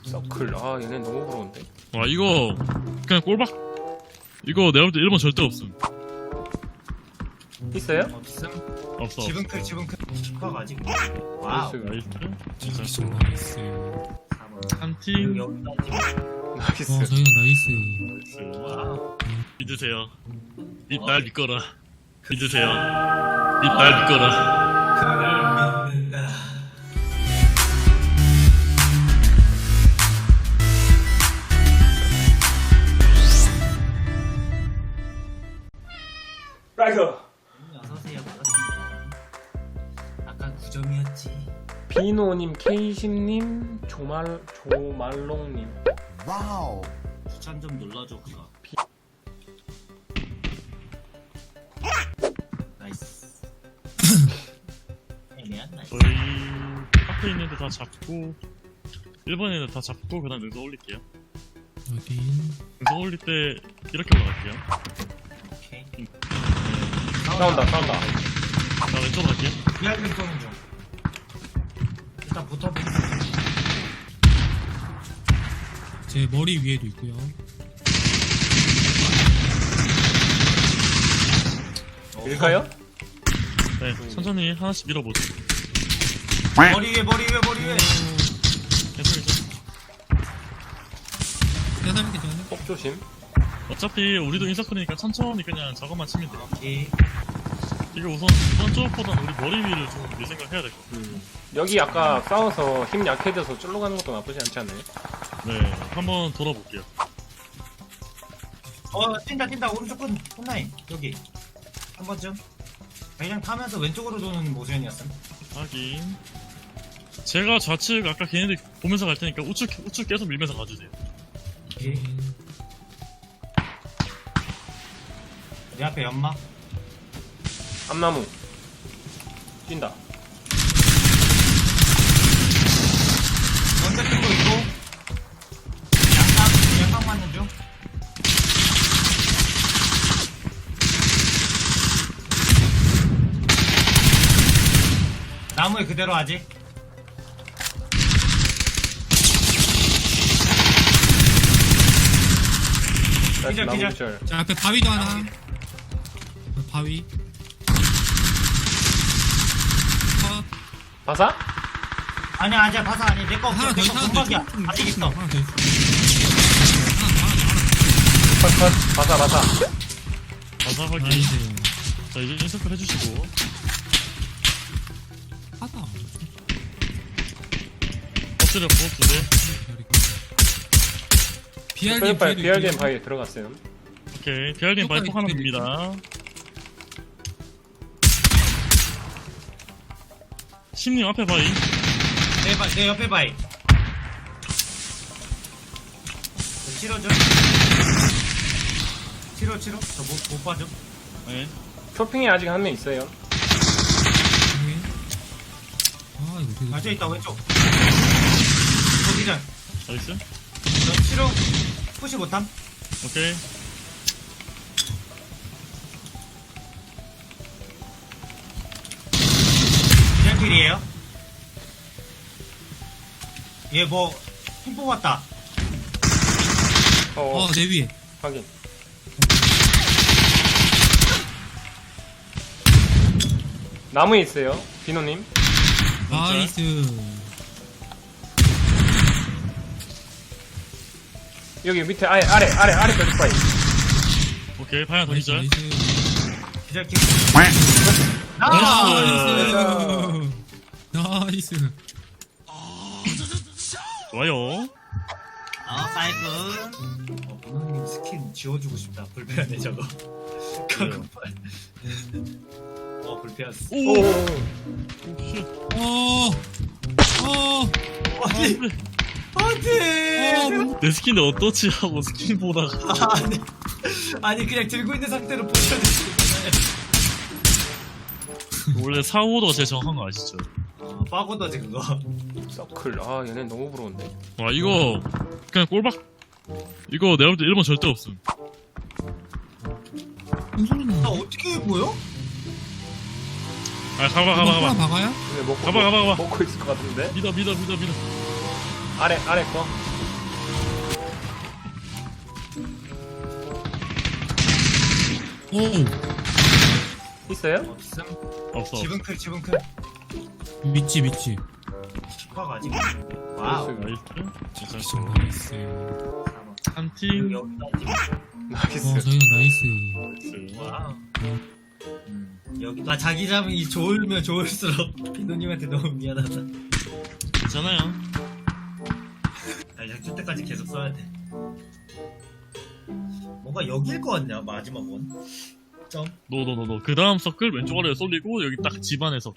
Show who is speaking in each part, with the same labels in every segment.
Speaker 1: 서클. 아 얘네 너무 부러운데.
Speaker 2: 와 이거 그냥 꼴박. 이거 내가 볼 때 1번 절대 없음.
Speaker 1: 있어요?
Speaker 3: 없음.
Speaker 2: 없어.
Speaker 3: 지붕 클 지붕 클. 슈퍼가 아직. 와우.
Speaker 2: 나이스. 진짜
Speaker 4: 나이스 나이스.
Speaker 3: 4번.
Speaker 2: 한팀
Speaker 3: 여기까지.
Speaker 1: 나이스.
Speaker 4: 저희가 나이스.
Speaker 3: 와우.
Speaker 2: 믿으세요. 입날 믿거라. 믿으세요. 입날 믿거라.
Speaker 3: 그걸 믿는다.
Speaker 1: 라이더.
Speaker 3: 어서오세요. 반갑습니다. 아까 9점이었지.
Speaker 1: 비노님, 케이신님, 조말롱님.
Speaker 5: 와우.
Speaker 3: 추천 좀 눌러줘 그거. 나이스. 애매한 나이스.
Speaker 2: 저희 앞에 있는데 다 잡고 1번에 있는 다 잡고 그다음 능선 올릴게요.
Speaker 4: 확인.
Speaker 2: 능선 올릴 때 이렇게 올라갈게요.
Speaker 3: 오케이.
Speaker 1: 싸운다.
Speaker 2: 자 왼쪽으로 갈게요.
Speaker 3: 비알림 쏘는 중. 일단 붙어보고.
Speaker 4: 제 머리 위에도 있고요.
Speaker 1: 밀까요?
Speaker 2: 네 천천히 하나씩 밀어보죠.
Speaker 3: 머리 위에.
Speaker 2: 계속.
Speaker 4: 대단하게 전에.
Speaker 1: 폭 조심.
Speaker 2: 어차피 우리도 인서클이니까 천천히 그냥 저것만 치면 돼요.
Speaker 3: 오케이.
Speaker 2: 이거 우선 이번 쪽보단 우리 머리 위를 좀 내 생각해야 될 것 같아요.
Speaker 1: 여기 아까 싸워서 힘 약해져서 쫄러 가는 것도 나쁘지 않지 않나요?
Speaker 2: 네 한번 돌아볼게요.
Speaker 3: 뛴다. 오른쪽 끝. 홈라인. 여기. 한 번쯤. 그냥 타면서 왼쪽으로 도는 모션이었음.
Speaker 2: 하긴 제가 좌측 아까 걔네들 보면서 갈 테니까 우측 계속 밀면서 가주세요.
Speaker 3: 오케이. 내 앞에 연막.
Speaker 1: 암나무. 뛴다.
Speaker 3: 먼저 뜬거 있고. 양각 맞는 중. 나무에 그대로 아직.
Speaker 1: 나이스,
Speaker 3: 기절.
Speaker 1: 나무 기절.
Speaker 4: 자 앞에 바위도 하나. 바위. 컷.
Speaker 1: 바사?
Speaker 3: 아니야, 아직 바사 아니. 내거
Speaker 4: 하나 더 있어. 하나 더
Speaker 3: 공각이야.
Speaker 4: 있어.
Speaker 3: 아직 있어.
Speaker 4: 하나 더 있어.
Speaker 1: 컷. 바사.
Speaker 2: 가사 확인.
Speaker 4: 나이스.
Speaker 2: 자 이제 인서클 해주시고
Speaker 4: 하다.
Speaker 2: 엎드려 부업두대.
Speaker 4: BRDM
Speaker 1: BRDM 바위에 들어갔어요.
Speaker 2: 오케이 BRDM 바이 폭 하나 듭니다. 심님 앞에 바이.
Speaker 3: 내 옆에 바이. 치러줘. 치러. 저 못 봐줘.
Speaker 2: 네.
Speaker 1: 쇼핑에 아직 한 명 있어요.
Speaker 4: 아 이거 되게.
Speaker 3: 맞아 있다 왼쪽. 거기전.
Speaker 2: 나이스.
Speaker 3: 저 치러. 푸시 못함.
Speaker 2: 오케이.
Speaker 3: 그냥 길이에요. 얘 뭐 힘 뽑았다.
Speaker 4: 내 위에.
Speaker 1: 확인. 나무에 있어요. 비노님.
Speaker 4: 나이스.
Speaker 1: 여기 밑에 아래 벽 바위.
Speaker 2: 오케이 바이 하나 더
Speaker 4: 나이스.
Speaker 2: 기절.
Speaker 3: 기절 킬.
Speaker 4: 나이스. 나이스.
Speaker 2: 좋아요.
Speaker 3: 사이클. 부모님 스킨 지워주고 싶다. 불편해 저거. 가급발. 불편했어.
Speaker 2: 오. 쉣.
Speaker 3: 아니, 안돼.
Speaker 2: 내 스킨인데 어떠지 하고 스킨 보다가
Speaker 3: 아니 그냥 들고 있는 상태로 보셔야 되잖아요.
Speaker 2: 원래 4호도가 제일 정확한 거 아시죠?
Speaker 3: 빠고다지 그거.
Speaker 1: 서클. 아 얘네 너무 부러운데.
Speaker 2: 와 이거 그냥 꼴박. 이거 내가 볼 때 1번 절대 없음.
Speaker 4: 무슨 소리 나?
Speaker 3: 어떻게 보여?
Speaker 2: 아 가봐.
Speaker 4: 박아야?
Speaker 1: 근데 먹고
Speaker 2: 가봐.
Speaker 1: 먹고 있을 것 같은데.
Speaker 2: 믿어.
Speaker 1: 아래 거.
Speaker 4: 오
Speaker 1: 있어요?
Speaker 3: 없음.
Speaker 2: 없어.
Speaker 3: 집은 클, 집은 클.
Speaker 4: 미치 미치.
Speaker 3: 슈퍼가 아직. 와우.
Speaker 2: 나이스. 진짜
Speaker 4: 나이스.
Speaker 3: 4번.
Speaker 2: 한 팀.
Speaker 3: 여기다 집.
Speaker 1: 나이스.
Speaker 4: 저희가 나이스.
Speaker 3: 와우. 여기다 자기장이 좋으면 좋을수록 비노님한테 너무 미안하다.
Speaker 2: 괜찮아요.
Speaker 3: 아, 이제 줄 때까지 계속 써야 돼. 뭔가 여기일 것 같냐, 마지막 원. 점.
Speaker 2: 노. 그 다음 서클 왼쪽 아래에 쏠리고 여기 딱 집안에서.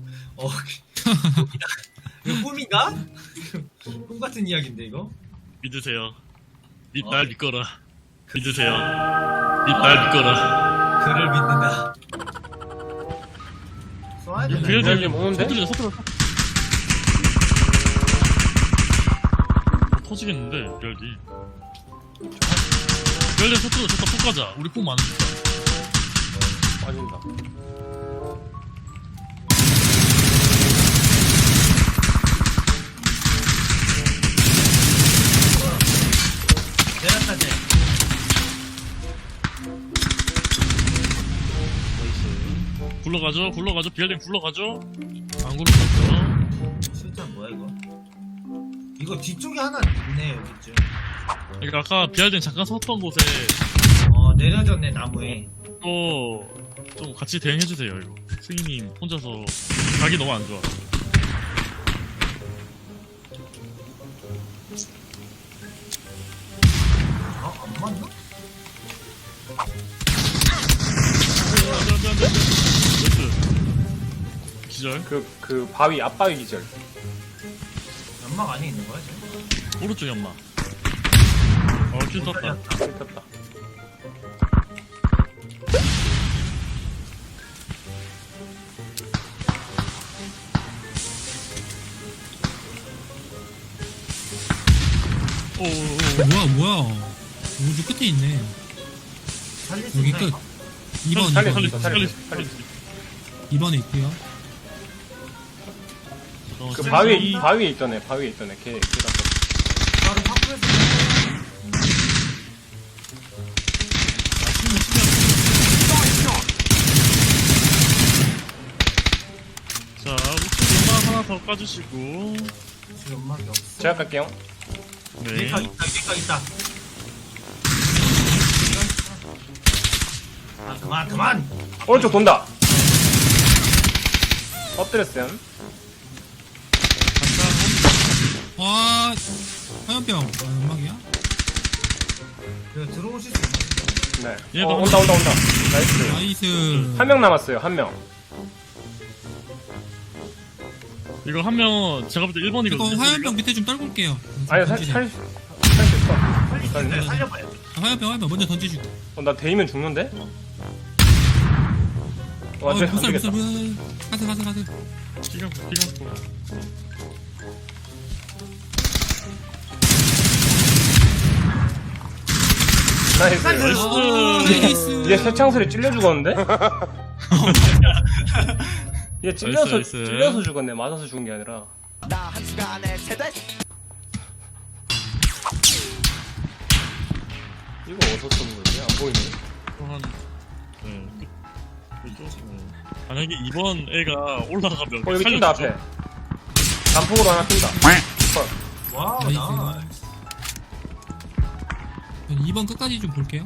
Speaker 3: 여기다. 이거 꿈인가? 꿈 같은 이야기인데, 이거?
Speaker 2: 믿으세요. 날 믿거라. 믿으세요. 날 믿거라.
Speaker 3: 그를 믿는다. 써야 되나?
Speaker 2: 그래도
Speaker 1: 비알님 오는데?
Speaker 2: 서툴러. 터지겠는데 별디. 별디 서툴러 저다 푹 가자. 우리 푹 많으니까.
Speaker 1: 빠진다.
Speaker 3: 내렸다, 쟤.
Speaker 2: 굴러가죠. 비알디 굴러가죠. 안 굴러가죠.
Speaker 3: 실탄 뭐야, 이거? 이거 뒤쪽에 하나 있네, 여기쯤.
Speaker 2: 그러니까 아까 비알디 잠깐 섰던 곳에
Speaker 3: 내려졌네, 나무에.
Speaker 2: 또 좀 같이 대응해주세요. 이거 승희님 혼자서 각이 너무 안 좋아.
Speaker 3: 안 맞나?
Speaker 2: 안돼. 나이스. 기절.
Speaker 1: 그 바위 앞바위 기절.
Speaker 3: 연막 안에 있는 거야, 쟤?
Speaker 2: 오른쪽 연마. 킬 떴다.
Speaker 1: 뜯었다.
Speaker 2: 오.
Speaker 4: 뭐야. 우주 끝에 있네.
Speaker 3: 살릴 수
Speaker 4: 여기
Speaker 3: 있나,
Speaker 4: 끝.
Speaker 3: 이거?
Speaker 4: 2번
Speaker 1: 살려,
Speaker 4: 2번
Speaker 1: 살려.
Speaker 4: 2번에 있고요.
Speaker 1: 그 바위에 있던 애. 걔 뜯었어.
Speaker 3: 바로 확보해서.
Speaker 2: 자, 우측 연마 하나 더 까주시고.
Speaker 3: 지금 연막이 없어.
Speaker 1: 제가 갈게요.
Speaker 2: 네.
Speaker 3: 얘가 있다. 아, 그만!
Speaker 1: 오른쪽 돈다. 엎드렸어요.
Speaker 4: 와 화염병. 연막이야?
Speaker 3: 이거 들어오실 수 있나?
Speaker 1: 네.
Speaker 2: 얘도
Speaker 1: 온다. 나이스.
Speaker 4: 나이스.
Speaker 1: 한 명 남았어요. 한 명.
Speaker 2: 이거 한 명, 제가 볼 때
Speaker 4: 이거
Speaker 2: 1번이거든요.
Speaker 4: 화염병 밑에 좀 떨굴게요.
Speaker 1: 아니 살 수 있어.
Speaker 3: 살려봐요.
Speaker 4: 화염병 먼저 던지시고.
Speaker 1: 나 데이면 죽는데?
Speaker 4: 못
Speaker 1: 안
Speaker 4: 살아
Speaker 1: 되겠다.
Speaker 4: 가세.
Speaker 2: 기가 막히고.
Speaker 1: 나이스.
Speaker 4: 나이스.
Speaker 1: 얘 새창소리 찔려 죽었는데? 얘
Speaker 2: 나이스.
Speaker 1: 찔려서 죽었네. 맞아서 죽은 게 아니라.
Speaker 5: 나 한 시간에 세대
Speaker 1: 이거 어디서 쏘는 거지? 안 보이네.
Speaker 2: 한, 네. 만약에 이번 애가 올라가면.
Speaker 1: 여기 뛴다 앞에. 단폭으로 하나 뛴다.
Speaker 3: 와우,
Speaker 4: 나이스.
Speaker 3: 나.
Speaker 4: 2번 끝까지 좀 볼게요.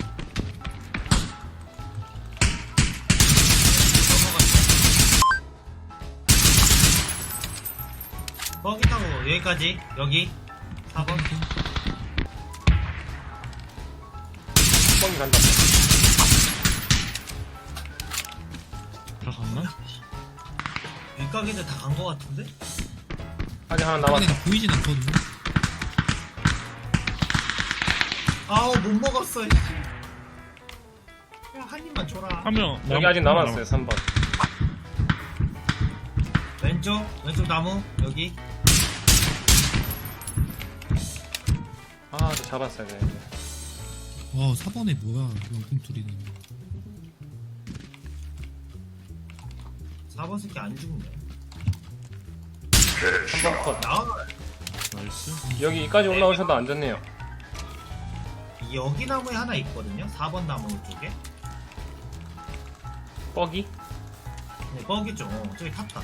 Speaker 3: 버기 타고 여기까지. 여기. 4번.
Speaker 1: 뻥이 간다.
Speaker 2: 다 갔나?
Speaker 3: 윗가게들 다 간 거 같은데?
Speaker 1: 아직 하나 남았어.
Speaker 4: 근데 보이진 않거든요.
Speaker 3: 아우, 못 먹었어. 야, 한 입만 줘라.
Speaker 2: 한 명.
Speaker 1: 여기 아직 남았어요. 3번.
Speaker 3: 왼쪽 나무. 여기.
Speaker 1: 아, 저 잡았어야 되는데.
Speaker 4: 4번에 뭐야 명품툴이네.
Speaker 3: 4번 새끼 안 죽네.
Speaker 1: 3번 컷.
Speaker 3: 나와.
Speaker 2: 나이스.
Speaker 1: 여기까지 올라오셔도 안좋네요.
Speaker 3: 여기 나무에 하나 있거든요. 4번 나무 쪽에.
Speaker 1: 뻐기?
Speaker 3: 네, 뻑이죠. 저기 탔다.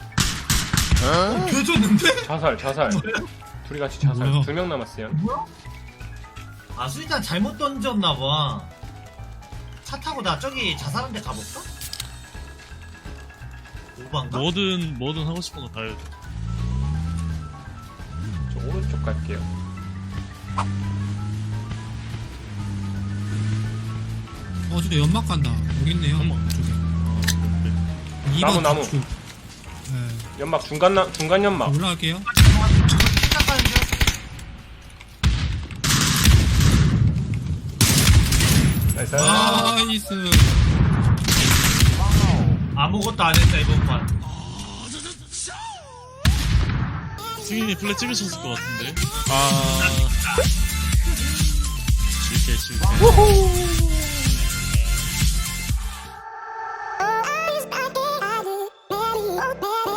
Speaker 3: 개졌는데?
Speaker 1: 자살. 둘이 같이 자살.
Speaker 4: 뭐야?
Speaker 1: 2명 남았어요.
Speaker 3: 뭐야? 아, 수리탄 잘못 던졌나봐. 차 타고 나 저기 자살한 데 가볼까? 오반가?
Speaker 2: 뭐든 하고 싶은 거 다 해야죠.
Speaker 1: 저 오른쪽 갈게요.
Speaker 4: 저기 연막 간다. 여기 있네요.
Speaker 2: 연막.
Speaker 4: 저기.
Speaker 2: 네.
Speaker 4: 2번
Speaker 1: 나무.
Speaker 4: 좌측. 네.
Speaker 1: 연막 중간 연막.
Speaker 4: 올라갈게요.
Speaker 3: 시작하는 중.
Speaker 1: 나이스.
Speaker 4: 나이스.
Speaker 3: 아무것도 안 했다, 이번 판.
Speaker 2: 승인이 플랫 찍으셨을 것 같은데. 실패.
Speaker 6: Oh, I was back in, I did, ready, oh, baby.